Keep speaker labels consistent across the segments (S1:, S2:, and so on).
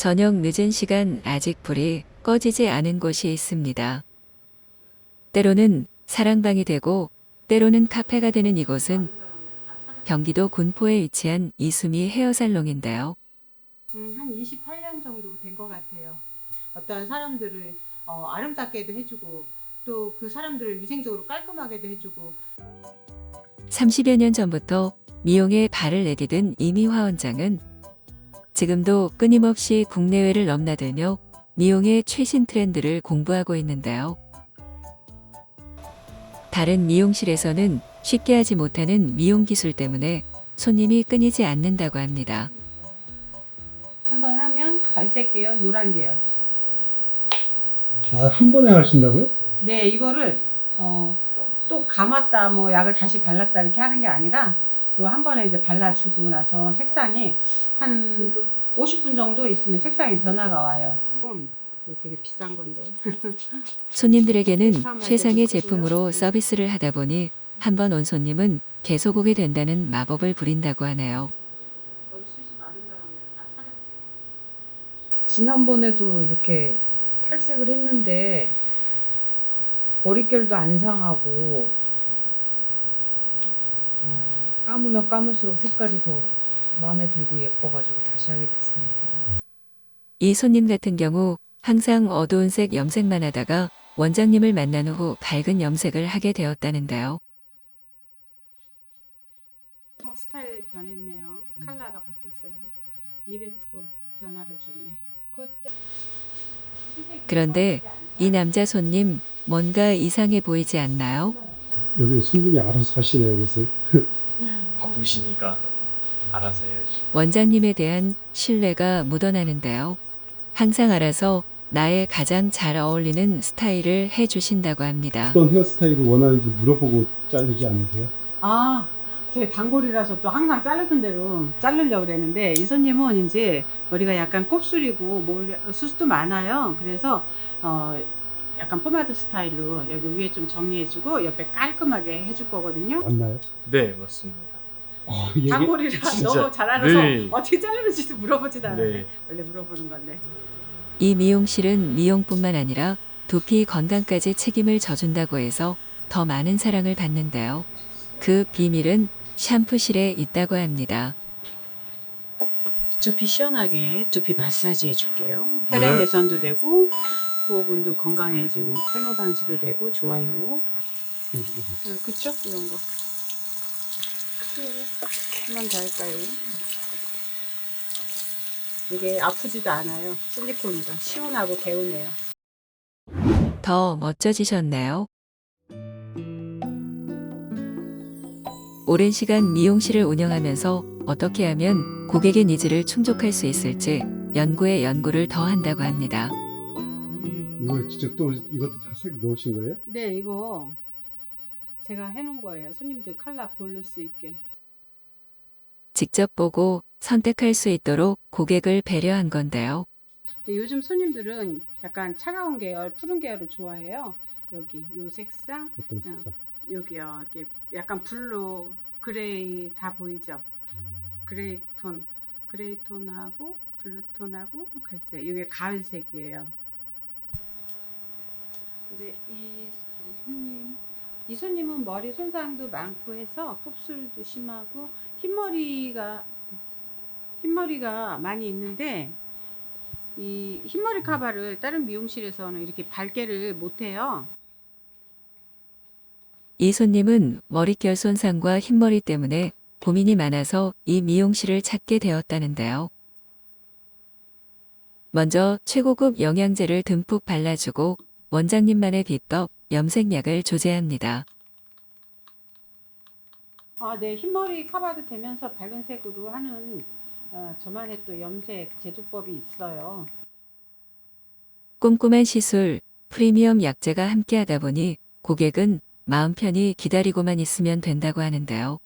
S1: 저녁 늦은 시간 아직 불이 꺼지지 않은 곳이 있습니다. 때로는 사랑방이 되고 때로는 카페가 되는 이곳은 경기도 군포에 위치한 이수미 헤어살롱인데요.
S2: 한 28년 정도 된 것 같아요. 어떤 사람들을 아름답게도 해주고 또 그 사람들을 위생적으로 깔끔하게도 해주고
S1: 30여 년 전부터 미용에 발을 내디딘 이미화 원장은 지금도 끊임없이 국내외를 넘나들며 미용의 최신 트렌드를 공부하고 있는데요. 다른 미용실에서는 쉽게 하지 못하는 미용 기술 때문에 손님이 끊이지 않는다고 합니다.
S2: 한번 하면 갈색 계열, 노란 계열.
S3: 아, 한 번에 하신다고요?
S2: 네, 이거를 또 감았다 뭐 약을 다시 발랐다 이렇게 하는 게 아니라 또 한 번에 이제 발라주고 나서 색상이 한 50분 정도 있으면 색상이 변화가 와요. 이거 되게 비싼 건데.
S1: 손님들에게는 최상의 제품으로 서비스를 하다 보니 한 번 온 손님은 계속 오게 된다는 마법을 부린다고 하네요.
S4: 지난번에도 이렇게 탈색을 했는데 머릿결도 안 상하고 감으면 감을수록 색깔이 더 마음에 들고 예뻐가지고 다시 하게 됐습니다.
S1: 이 손님 같은 경우 항상 어두운 색 염색만 하다가 원장님을 만난 후 밝은 염색을 하게 되었다는데요.
S2: 스타일 변했네요. 컬러가 바뀌었어요. 200% 변화를 줬네.
S1: 그런데 이 남자 손님 뭔가 이상해 보이지 않나요?
S3: 여기 손님이 알아서 하시네요, 옷을.
S5: 바쁘시니까 알아서 해야지.
S1: 원장님에 대한 신뢰가 묻어나는데요. 항상 알아서 나의 가장 잘 어울리는 스타일을 해주신다고 합니다.
S3: 어떤 헤어스타일을 원하는지 물어보고 자르지 않으세요?
S2: 제 단골이라서 또 항상 자르던 대로 자르려고 그랬는데 이 손님은 이제 머리가 약간 곱슬이고 수수도 많아요. 그래서 약간 포마드 스타일로 여기 위에 좀 정리해주고 옆에 깔끔하게 해줄 거거든요.
S3: 맞나요?
S5: 네, 맞습니다.
S3: 이게
S2: 단골이라
S5: 진짜
S2: 너무 잘 알아서
S5: 늘-
S2: 어떻게 자르는지도 물어보지도 않아요.
S5: 네.
S2: 원래 물어보는 건데.
S1: 이 미용실은 미용뿐만 아니라 두피 건강까지 책임을 져준다고 해서 더 많은 사랑을 받는데요. 그 비밀은 샴푸실에 있다고 합니다.
S2: 두피 시원하게 두피 마사지 해줄게요. 혈액 개선도 되고 부호분도 건강해지고 탈모 방지도 되고 좋아요. 그쵸? 이런 거. 한 번 더 할까요? 이게 아프지도 않아요. 실리콘이라 시원하고 개운해요.
S1: 더 멋져지셨나요? 오랜 시간 미용실을 운영하면서 어떻게 하면 고객의 니즈를 충족할 수 있을지 연구에 연구를 더 한다고 합니다.
S3: 이걸 직접 또 이것도 다 색 넣으신 거예요?
S2: 네, 이거 제가 해놓은 거예요. 손님들 컬러 고를 수 있게.
S1: 직접 보고 선택할 수 있도록 고객을 배려한 건데요.
S2: 근데 요즘 손님들은 약간 차가운 계열, 푸른 계열을 좋아해요. 여기 요 색상,
S3: 어떤 색상?
S2: 여기요. 이렇게 약간 블루, 그레이 다 보이죠? 그레이 톤하고 블루 톤하고 갈색. 이게 가을색이에요. 이제 이 손님은 머리 손상도 많고 해서 곱슬도 심하고 흰머리가 많이 있는데 이 흰머리 카바를 다른 미용실에서는 이렇게 밝게를 못해요.
S1: 이 손님은 머릿결 손상과 흰머리 때문에 고민이 많아서 이 미용실을 찾게 되었다는데요. 먼저 최고급 영양제를 듬뿍 발라주고 원장님만의 비법 염색약을 조제합니다.
S2: 네, 흰머리 커버도 되면서 밝은 색으로 하는 저만의 또 염색 제조법이 있어요.
S1: 꼼꼼한 시술, 프리미엄 약재가 함께하다 보니 고객은 마음 편히 기다리고만 있으면 된다고 하는데요.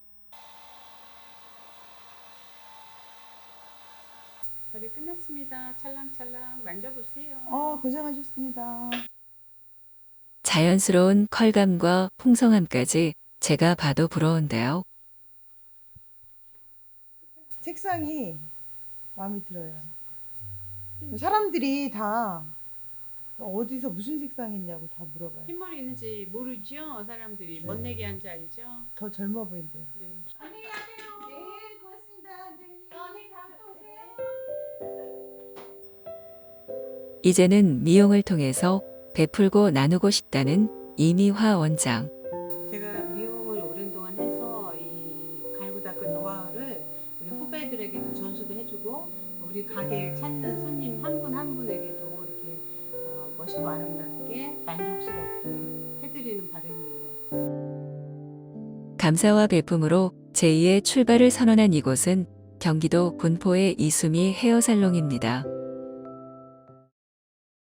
S2: 저희 끝났습니다. 찰랑찰랑 만져보세요.
S4: 고생하셨습니다.
S1: 자연스러운 컬감과 풍성함까지 제가 봐도 부러운데요.
S4: 색상이 마음에 들어요.
S6: 사람들이 다 어디서 무슨 색상 했냐고 다 물어봐요.
S2: 흰머리 있는지 모르죠? 사람들이.
S6: 네.
S2: 뭔 얘기하는지 알죠?
S6: 더 젊어 보인대요.
S2: 네.
S6: 안녕히 가세요. 네, 고맙습니다, 원장님.
S2: 언니 다음에 또 오세요.
S1: 이제는 미용을 통해서 베풀고 나누고 싶다는 이미화 원장.
S2: 제가 미용을 오랜 동안 해서 이 갈고 닦은 노하우를 우리 후배들에게도 전수도 해주고 우리 가게를 찾는 손님 한 분 한 분에게도 이렇게 멋있고 아름답게 만족스럽게 해드리는 바람이에요.
S1: 감사와 베품으로 제2의 출발을 선언한 이곳은 경기도 군포의 이수미 헤어살롱입니다.